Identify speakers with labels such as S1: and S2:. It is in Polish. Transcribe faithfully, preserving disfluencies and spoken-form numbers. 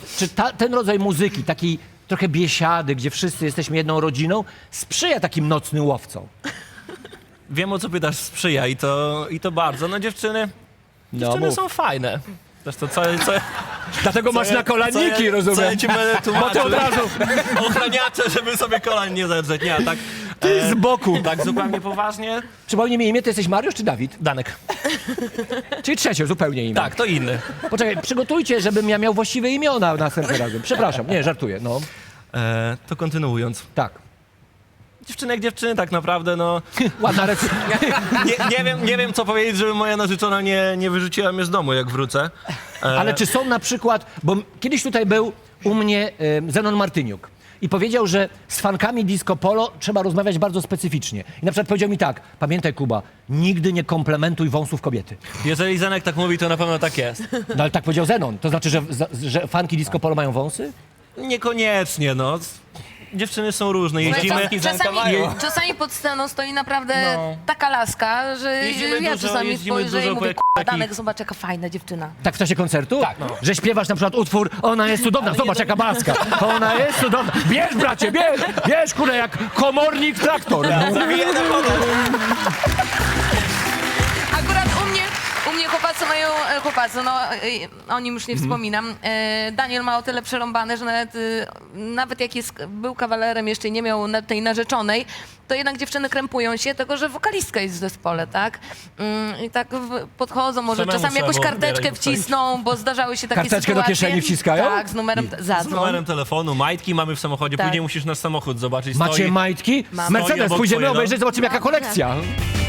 S1: czy ta, ten rodzaj muzyki, takiej trochę biesiady, gdzie wszyscy jesteśmy jedną rodziną, sprzyja takim nocnym łowcom?
S2: Wiem, o co pytasz, sprzyja i to, i to bardzo. No dziewczyny,
S1: No,
S2: dziewczyny
S1: mów.
S2: są fajne. Zresztą co, co,
S1: Dlatego
S2: co
S1: masz
S2: ja-
S1: na kolaniki,
S2: co ja,
S1: rozumiem.
S2: Co ja ci będę
S1: Bo ty
S2: tłumaczył?
S1: od razu,
S2: Ochraniacze, żeby sobie kolan nie zedrzeć. Nie, tak,
S1: ty z boku.
S2: tak zupełnie poważnie.
S1: Przypomnij mi imię, ty jesteś Mariusz czy Dawid?
S2: Danek.
S1: Czyli trzecie, zupełnie imię.
S2: Tak, to inny.
S1: Poczekaj, przygotujcie, żebym ja miał właściwe imiona na następnym razem. Przepraszam, nie, żartuję, no.
S2: E, to kontynuując.
S1: Tak.
S2: Dziewczyny jak dziewczyny tak naprawdę, no...
S1: Ładna recenzja.
S2: Nie, nie, wiem, nie wiem, co powiedzieć, żeby moja narzeczona nie, nie wyrzuciła mnie z domu, jak wrócę. E,
S1: Ale czy są na przykład, bo kiedyś tutaj był u mnie e, Zenon Martyniuk i powiedział, że z fankami disco polo trzeba rozmawiać bardzo specyficznie. I na przykład powiedział mi tak, pamiętaj Kuba, nigdy nie komplementuj wąsów kobiety.
S2: Jeżeli Zenek tak mówi, to na pewno tak jest.
S1: No ale tak powiedział Zenon, to znaczy, że, że fanki disco polo mają wąsy?
S2: Niekoniecznie, no. Dziewczyny są różne, jeździmy...
S3: Czas- czasami, czasami pod sceną stoi naprawdę
S2: No.
S3: taka laska, że
S2: Jeździmy
S3: ja
S2: dużo,
S3: czasami
S2: jeździmy
S3: spojrzę i
S2: dużo
S3: mówię,
S2: po
S3: k***a,
S2: takich-
S3: Danek, zobacz jaka fajna dziewczyna.
S1: Tak w czasie koncertu?
S2: Tak, no.
S1: Że śpiewasz na przykład utwór, ona jest cudowna, zobacz jaka baska, ona jest cudowna. Bierz bracie, bierz, bierz kurde jak komornik traktor.
S3: Akurat u mnie, u mnie chłopacy mają, e, chłopacy, no e, o nim już nie
S2: Mhm.
S3: wspominam. E, Daniel ma o tyle przerąbane, że nawet, e, nawet jak jest, był kawalerem, jeszcze nie miał na, tej narzeczonej, to jednak dziewczyny krępują się, tylko że wokalistka jest w zespole, tak? Mm, I tak w, podchodzą, może
S2: Samemu
S3: czasami jakąś
S2: trzeba
S3: karteczkę
S2: odbierać
S3: wcisną, bo zdarzały się takie
S1: Karteczkę do
S3: sytuacje.
S1: kieszeni wciskają?
S3: Tak, z numerem,
S2: Z
S3: zadzwoń.
S2: numerem telefonu, majtki mamy w samochodzie,
S3: Tak.
S2: później musisz nasz samochód zobaczyć.
S1: Macie
S2: stoi,
S1: majtki?
S3: Mam.
S1: Mercedes,
S2: obok
S1: pójdziemy
S2: twojej, no.
S1: obejrzeć, zobaczymy jaka
S3: Dobrze.
S1: kolekcja.